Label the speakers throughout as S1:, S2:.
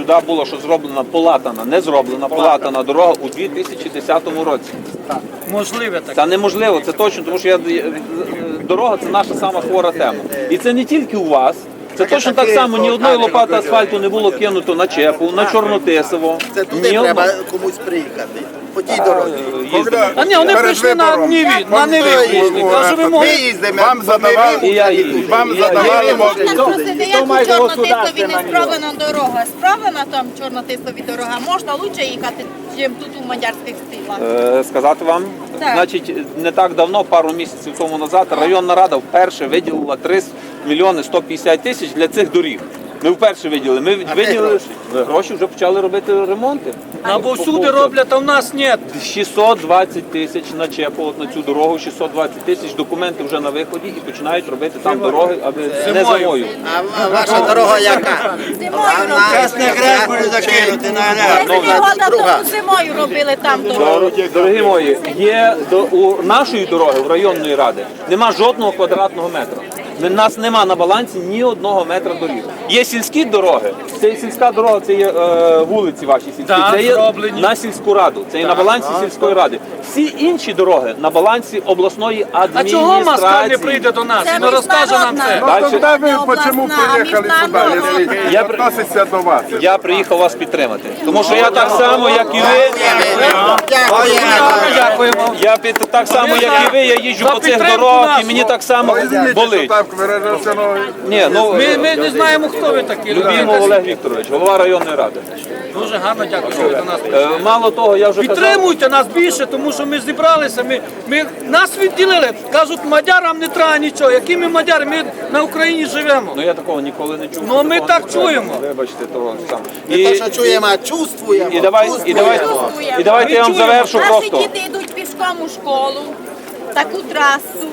S1: сюди було, що зроблена полатана, не зроблена полатана дорога у 2010 році.
S2: Можливе таке.
S1: Це неможливо, це точно, тому що дорога – це наша сама хвора тема. І це не тільки у вас. Це точно так само, ні одної лопати асфальту не було кинуто на Чепу, на Чорнотисово.
S3: Це туди треба комусь приїхати, по тій дорозі.
S2: А ні, вони прийшли на Ниві прийшли. Каже, ви
S3: Ми
S2: могли.
S3: їздимо,
S4: Вам задавали, вам задавали
S5: Просити, як у Чорнотисові не справлена дорога. Справлена там Чорнотисові дорога, можна краще їхати, ніж тут у Мадярських стрілах.
S1: Сказати вам,
S5: Так.
S1: значить, не так давно, пару місяців тому назад, районна рада вперше виділила 3 мільйони 150 тисяч для цих доріг. Ми вперше виділили. Ми виділили гроші, вже почали робити ремонти.
S2: Або всюди роблять, а в нас ні.
S1: 620 тисяч на Чепу, от на цю дорогу, 620 тисяч, документи вже на виході і починають робити там дороги, аби не зимою.
S3: А ваша дорога яка?
S5: Зимою робили там дорогу.
S1: Дорогі мої, є у нашої дороги, у районної ради, нема жодного квадратного метра. У нас нема на балансі ні одного метра доріг. Є сільські дороги, це є сільська дорога, це є вулиці ваші сільські,
S2: Так,
S1: це є
S2: зроблені.
S1: на сільську раду, це є на балансі сільської ради. Всі інші дороги на балансі обласної
S2: А
S1: адміністрації.
S2: чого Москаль не прийде до нас і не розкаже нам це?
S1: Дальше.
S4: Тогда вы
S5: областная,
S4: почему
S5: а
S4: приехали сюда,
S5: международная.
S4: если
S1: Я
S4: относится до вас?
S1: Я приїхав вас підтримати, тому що я так само, як і ви,
S2: Дякуємо.
S1: так само, як і ви, я їжджу
S2: За
S1: по цих
S2: підтримку
S1: дорогах і
S2: нашу.
S1: мені так само
S4: Извините, что
S1: болить.
S4: так выражался, но...
S1: Ні, ну,
S2: Ми не знаємо, хто ви такі.
S1: Любімов Олег Вікторович, голова районної ради.
S2: Дуже гарно дякую, що ви до нас прийшли.
S1: Мало того, я вже казав,
S2: Підтримуйте нас більше, тому що ми зібралися, нас відділили. Кажуть, мадярам не треба нічого. Які ми мадяри? Ми на Україні живемо.
S1: ну я такого ніколи не чув.
S2: Ну, ми
S1: Такого
S2: так
S1: не чув.
S2: чуємо.
S1: Вибачте, того сам.
S3: Не те, що чуємо, а чувствуємо.
S1: І давайте я вам завершу
S5: Наші
S1: просто.
S5: діти йдуть пішком у школу, таку трасу.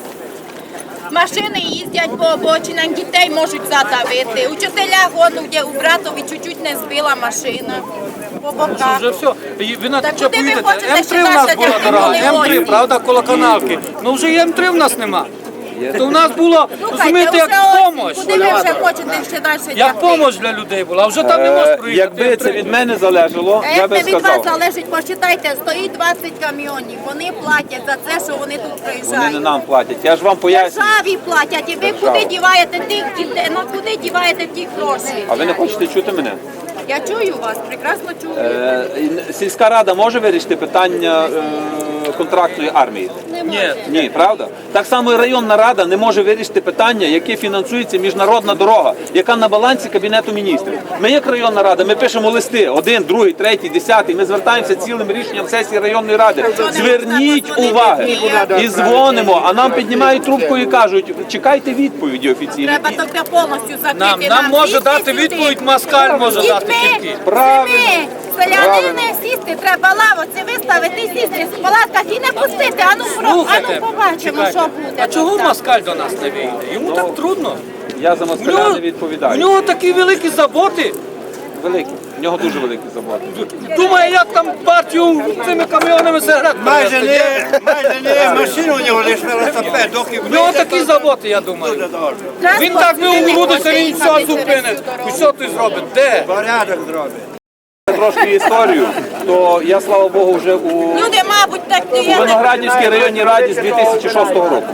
S5: Машини їздять по обочинах, дітей можуть задавити. Учителя году, де у братові чуть-чуть не збила машина по боках.
S2: Вже все. І ви на
S5: Так
S2: що
S5: куди ви
S2: поїдете?
S5: хочете,
S2: М3
S5: щоб
S2: в нас
S5: наші
S2: була
S5: діти
S2: дорога,
S5: були
S2: М3,
S5: вольні?
S2: правда, коло канавки. Ну вже і М3 в нас нема. То в нас було, розумієте, як помощь.
S5: Куди ви вже хочете ще далі
S2: Як помощь для людей була, а вже там не можеш проїхати.
S1: Якби це від мене залежало, я
S5: Як
S1: би
S5: це від вас
S1: сказав.
S5: залежить, посчитайте, стоїть 20 камйонів, вони платять за це, що вони тут
S1: Вони не
S5: приїжджають.
S1: нам платять. Я ж вам поясню.
S5: Державі платять, і ви куди діваєте тих дітей, ну куди діваєте ті гроші?
S1: А ви не хочете чути мене?
S5: Я чую вас, прекрасно чую.
S1: Сільська рада може вирішити питання контрактної армії?
S2: Ні.
S1: Ні, правда? Так само і районна рада не може вирішити питання, яке фінансується міжнародна дорога, яка на балансі Кабінету міністрів. Ми як районна рада, ми пишемо листи, 1, 2, 3, 10, ми звертаємося цілим рішенням сесії районної ради. Зверніть уваги і дзвонимо, а нам піднімають трубку і кажуть, чекайте відповіді офіційні.
S5: Треба тільки повністю закрити.
S2: Нам може
S5: сісти
S2: дати
S5: сюди.
S2: відповідь Москаль може дати тільки.
S1: Правильно.
S5: Селянини сісти, треба лавоці виставити, сісти в палатках і не пустити. Ану,
S2: Слухайте,
S5: побачимо,
S2: чекайте.
S5: що буде.
S2: А чого
S5: там.
S2: Москаль до нас не вийде? Йому так трудно.
S1: Я за
S2: В
S1: москаля
S2: нього,
S1: не
S2: в
S1: відповідаю.
S2: нього такі великі заботи.
S1: Великі. В нього дуже великі заботи.
S2: Думає, як там партію цими каміонами сигарет
S6: Майже
S2: привезти.
S6: не машину у нього лише велосипед, доки
S2: В нього такі заботи, я думаю.
S5: Транспорт
S2: Він так
S5: сюди
S2: не
S5: не
S2: угрудиться,
S5: хоче
S2: він
S5: їхати
S2: все
S5: через
S2: зупинить.
S5: цю дорогу.
S2: І що ти зробить? Де?
S6: порядок зробить.
S1: Трошки історію, то я, слава Богу, вже у
S5: Люди, мабуть, так
S1: у Виноградівській районній раді з 2006 року.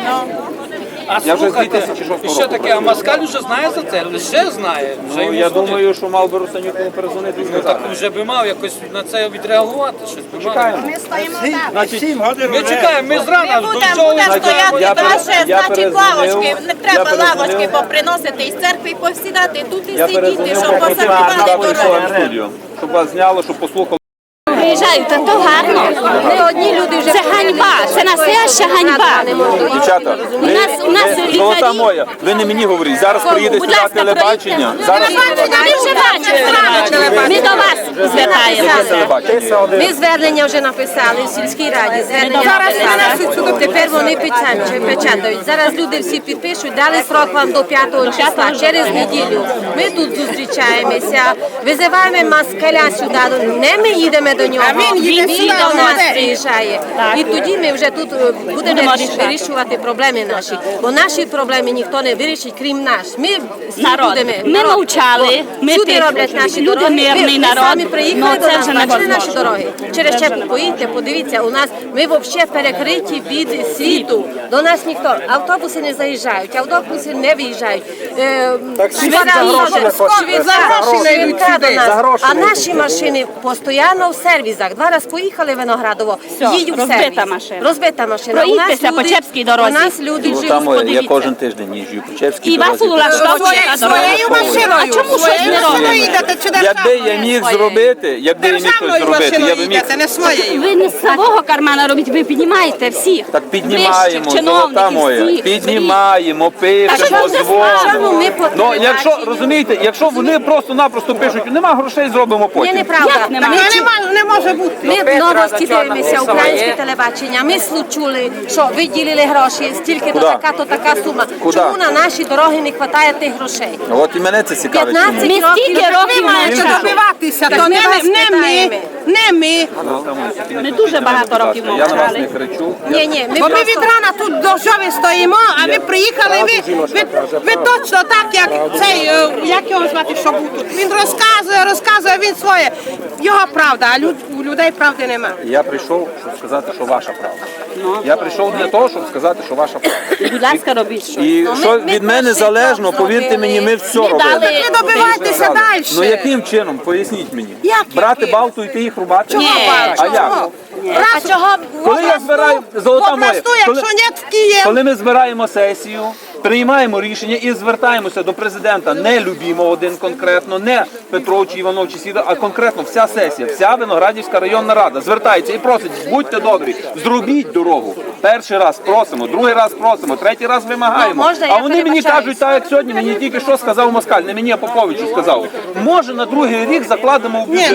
S2: А
S1: Я вже з
S2: слухайте,
S1: 2006
S2: і що
S1: року
S2: таке, а Москаль вже знає за це? Лише знає. Вже
S1: Ну,
S2: йому
S1: я
S2: судять.
S1: думаю, що мав би Русанюк перезвонити і
S2: Так
S1: сказати.
S2: вже би мав якось на це відреагувати. Щось би мав.
S1: Чекаємо.
S5: Ми стоїмо так.
S1: Значить,
S6: 7 годин
S2: Ми чекаємо, ми зрана
S5: Ми
S2: до
S5: будемо
S2: чого.
S5: стояти
S1: я
S5: далі,
S1: я
S5: значить
S1: перезвонив,
S5: лавочки, не треба
S1: я перезвонив.
S5: лавочки поприносити із церкви і посідати тут і
S1: Я
S5: сидіти,
S1: перезвонив,
S5: щоб
S1: поки
S5: посадкували
S1: сюди прийшов
S5: дорогу.
S1: в студію, щоб вас зняло, щоб послухали.
S7: Приїжджають, та то гарно. Не одні люди вже. Це ганьба, це настояща ганьба.
S1: Дівчата,
S7: у нас
S1: золота
S7: лікарі.
S1: моя, ви не мені говоріть, зараз приїде
S7: Будь
S1: сюди
S7: ласка,
S1: телебачення. Зараз
S7: Ми вже бачили. Ми до вас звертаємося. Ми звернення вже написали в сільській раді, звернення написали. Тепер вони печатають. Зараз люди всі підпишуть, дали срок вам до 5 числа, через неділю. Ми тут зустрічаємося, визиваємо москаля сюди, не ми їдемо до нього, він до нас приїжджає. І тоді ми вже тут будемо вирішувати проблеми наші, бо наші проблеми ніхто не вирішить, крім нас. Ми всі будемо.
S8: Ми мовчали, ми
S7: Сюди роблять наші
S8: люди
S7: дороги.
S8: мирний
S7: Ви
S8: народ,
S7: самі приїхали
S8: ну
S7: до
S8: це
S7: нас,
S8: вже не
S7: бачили наші
S8: можна.
S7: дороги. Через Чепу поїдьте, подивіться, у нас ми взагалі перекриті від світу. До нас ніхто, автобуси не заїжджають, автобуси не виїжджають. Швидка до нас. А наші машини постійно в сервізах. Два рази поїхали в Виноградово, їдуть в
S8: розбита
S7: сервіс.
S8: машина.
S7: Розбита машина. У нас
S8: Проїдьтеся по
S7: люди-
S8: Чепській дорозі.
S7: У нас люди
S1: Ну,
S7: живуть.
S1: там я
S8: подивіться.
S1: кожен тиждень їжджу по Чепській
S8: І вас
S1: дорозі.
S8: улаштовує на дорогу. А чому щось не робите?
S1: Якби я міг зробити, якби я міг щось зробити, я би міг.
S8: Ви не з свого кармана робіть, ви піднімаєте всіх.
S1: Так піднімаємо,
S8: Вищих
S1: золота
S8: чиновників,
S1: моя,
S8: всіх.
S1: піднімаємо, пишемо,
S7: Чому
S1: дзвонимо.
S7: ми по
S1: Ну, якщо,
S7: телебаченню?
S1: розумієте, якщо вони просто-напросто пишуть, нема грошей, зробимо
S7: Ні,
S1: потім.
S7: неправда.
S8: Нема?
S7: Не може бути. Ми новості дивимося, українське телебачення. Ми чули, що виділили гроші, стільки то
S1: Куда?
S7: така сума.
S1: Куда?
S7: Чому на наші дороги не вистачає тих грошей?
S1: От і мене це цікавить.
S7: 15
S1: чому.
S8: Ми стільки років мовчали.
S7: добиватися, то не ми.
S8: Ми дуже багато років
S1: Я на вас
S8: мовчали.
S1: не кричу.
S7: Ні, ми
S9: Бо ми
S7: просто...
S9: від рана тут до жови стоїмо, а ви приїхали, ви точно так, як цей, як його звати, що був тут. Він розказує, він своє. Його правда, а у людей правди нема.
S1: Я прийшов, щоб сказати, що ваша правда. Я прийшов для того, щоб сказати, що ваша правда.
S8: Будь ласка, робіть щось.
S1: І
S7: Ну,
S1: що
S7: ми
S1: від мене
S7: перший
S1: залежно,
S7: крок
S1: повірте
S7: зробили.
S1: мені, ми все
S8: Ми
S1: робимо.
S8: дали-
S9: Ви добивайтеся далі.
S1: Ну яким чином? Поясніть мені.
S9: Як
S1: Брати
S9: яким?
S1: балту, йти їх рубати?
S8: Ні.
S1: А як?
S7: А чого?
S1: Коли я збираю, золота моя,
S9: Попросту, якщо ні в Київ.
S1: коли ми збираємо сесію, приймаємо рішення і звертаємося до президента, не Любімов один конкретно, не Петров чи Іванов чи Сіда, а конкретно вся сесія, вся Виноградівська районна рада звертається і просить, будьте добрі, зробіть дорогу. Перший раз просимо, другий раз просимо, третій раз вимагаємо.
S7: Ну, можна,
S1: А
S7: я
S1: вони мені
S7: перебачаюсь.
S1: кажуть, так як сьогодні, мені тільки що сказав Москаль, не мені, а Поповичу сказав. Може на другий рік закладемо в бюджет.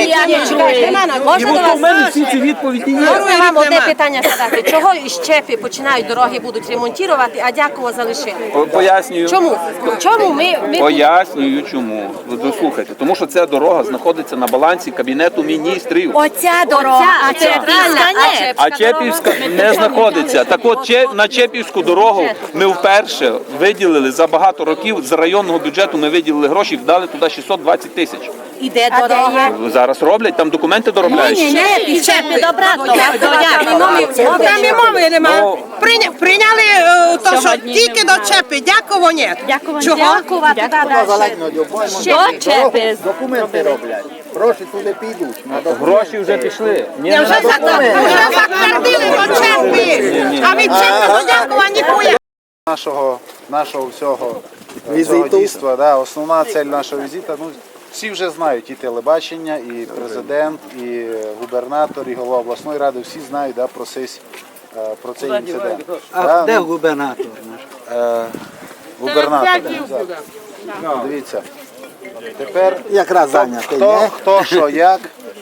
S1: І от у мене всі ці відповіді є.
S7: Можна вам одне питання задати. Чого із Чепи починають дороги будуть ремонтувати, а Дякова залишили?
S1: Пояснюю.
S7: Чому? Чому ми
S1: Пояснюю чому. Дослухайте, тому що ця дорога знаходиться на балансі Кабінету міністрів.
S7: Оця дорога, а центральна,
S1: А Чепівська не знаходиться. Так от на Чепівську дорогу ми вперше виділили за багато років з районного бюджету. Ми виділили гроші, вдали туди 620 тисяч.
S7: іде дорога.
S1: Зараз роблять, там документи доробляють.
S7: І Чепи добратно.
S9: Там і мови нема.
S1: Ну,
S9: Прийняли то, що тільки до Чепи. Дякую, ні. Чого?
S7: Дякова туди далі.
S8: До Чепи.
S3: Документи роблять. Гроші туди підуть.
S1: Гроші вже пішли. Ні,
S9: Вже затвердили до Чепи. А від Чепи до Дякова ніхуя.
S4: Нашого всього дійства, да, основна цель нашого візиту, ну, всі вже знають, і телебачення, і президент, і губернатор, і голова обласної ради, всі знають да, про цей інцидент.
S6: А де
S4: ну,
S6: губернатор наш?
S4: губернатор. Да. Дивіться, тепер
S6: Якраз зайнятий, не?
S4: хто що, як,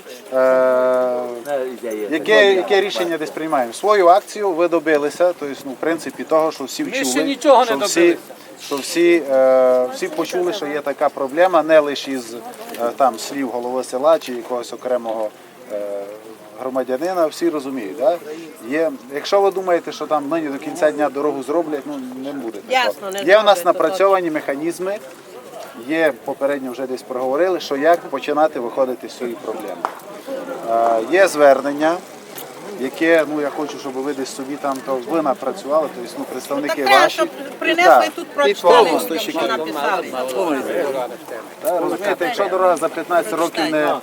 S4: яке рішення десь приймаємо. Свою акцію ви добилися, тобто, ну, в принципі, того, що всі
S2: ще
S4: вчули,
S2: нічого не
S4: що всі почули, що є така проблема, не лише із там слів голови села чи якогось окремого громадянина, всі розуміють. Да? Якщо ви думаєте, що там нині до кінця дня дорогу зроблять, ну не буде такого. Є у нас напрацьовані механізми, є попередньо вже десь проговорили, що як починати виходити з цієї проблеми. Є звернення, яке, ну я хочу, щоб ви десь собі там то ви напрацювали, тобто ну, представники ваші.
S9: Принесли тут прочитали, що написали.
S4: Розумієте, якщо дорога за 15 років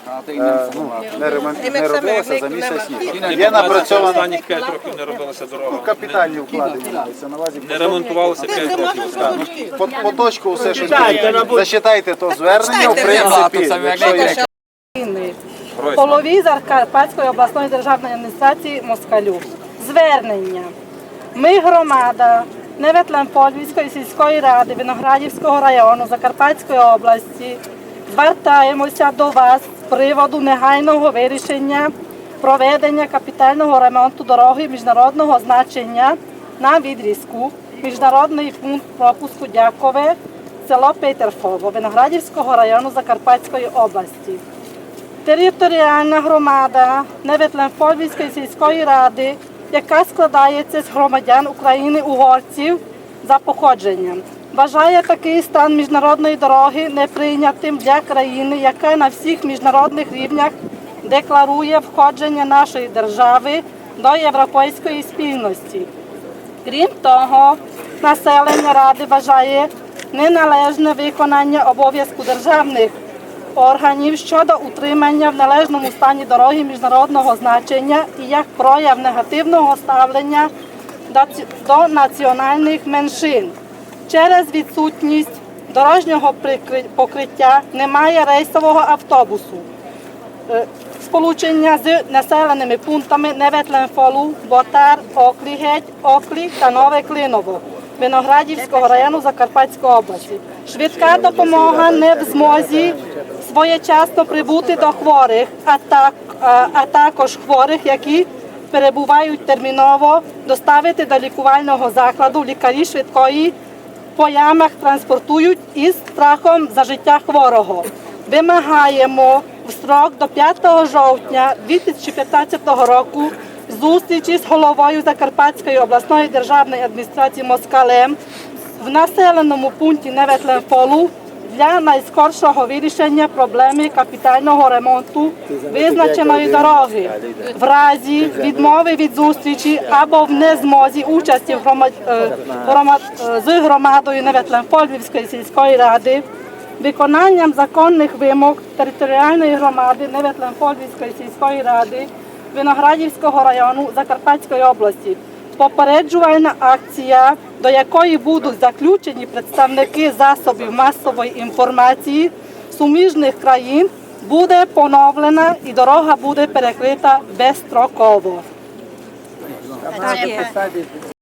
S4: не робилася, за місяць ні. Є напрацьована
S1: останніх 5 років не робилася дорога.
S4: капітальні вкладення. Це на увазі
S1: Не ремонтувалося 5 років.
S4: по точку все, що зачитайте то звернення, в принципі, якщо є
S10: голові Закарпатської обласної державної адміністрації Москалю. Звернення. Ми громада Неветлен-Подільської сільської ради Виноградівського району Закарпатської області звертаємося до вас з приводу негайного вирішення проведення капітального ремонту дороги міжнародного значення на відрізку міжнародний пункт пропуску Дякове, село Петерфово, Виноградівського району Закарпатської області. Територіальна громада Неветлен-Подільської сільської ради, яка складається з громадян України-угорців за походженням, вважає такий стан міжнародної дороги неприйнятим для країни, яка на всіх міжнародних рівнях декларує входження нашої держави до європейської спільності. Крім того, населення Ради вважає неналежне виконання обов'язку державних органів щодо утримання в належному стані дороги міжнародного значення і як прояв негативного ставлення до національних меншин. Через відсутність дорожнього покриття немає рейсового автобусу. Сполучення з населеними пунктами Неветлен-Фолу, Ботар, Оклі-Геть, Оклі та Нове Клиново Виноградівського району Закарпатської області. Швидка допомога не в змозі своєчасно прибути до хворих, а також хворих, які перебувають терміново, доставити до лікувального закладу. Лікарі швидкої по ямах транспортують із страхом за життя хворого. Вимагаємо в строк до 5 жовтня 2015 року зустрічі з головою Закарпатської обласної державної адміністрації Москалем в населеному пункті Неветлен-Фолу для найскоршого вирішення проблеми капітального ремонту визначеної дороги. В разі відмови від зустрічі або в незмозі участі з громадою Неветлен-Подільської сільської ради виконанням законних вимог територіальної громади Неветлен-Подільської сільської ради Виноградівського району Закарпатської області. Попереджувальна акція, до якої будуть заключені представники засобів масової інформації суміжних країн, буде поновлена і дорога буде перекрита безстроково.
S7: Так є.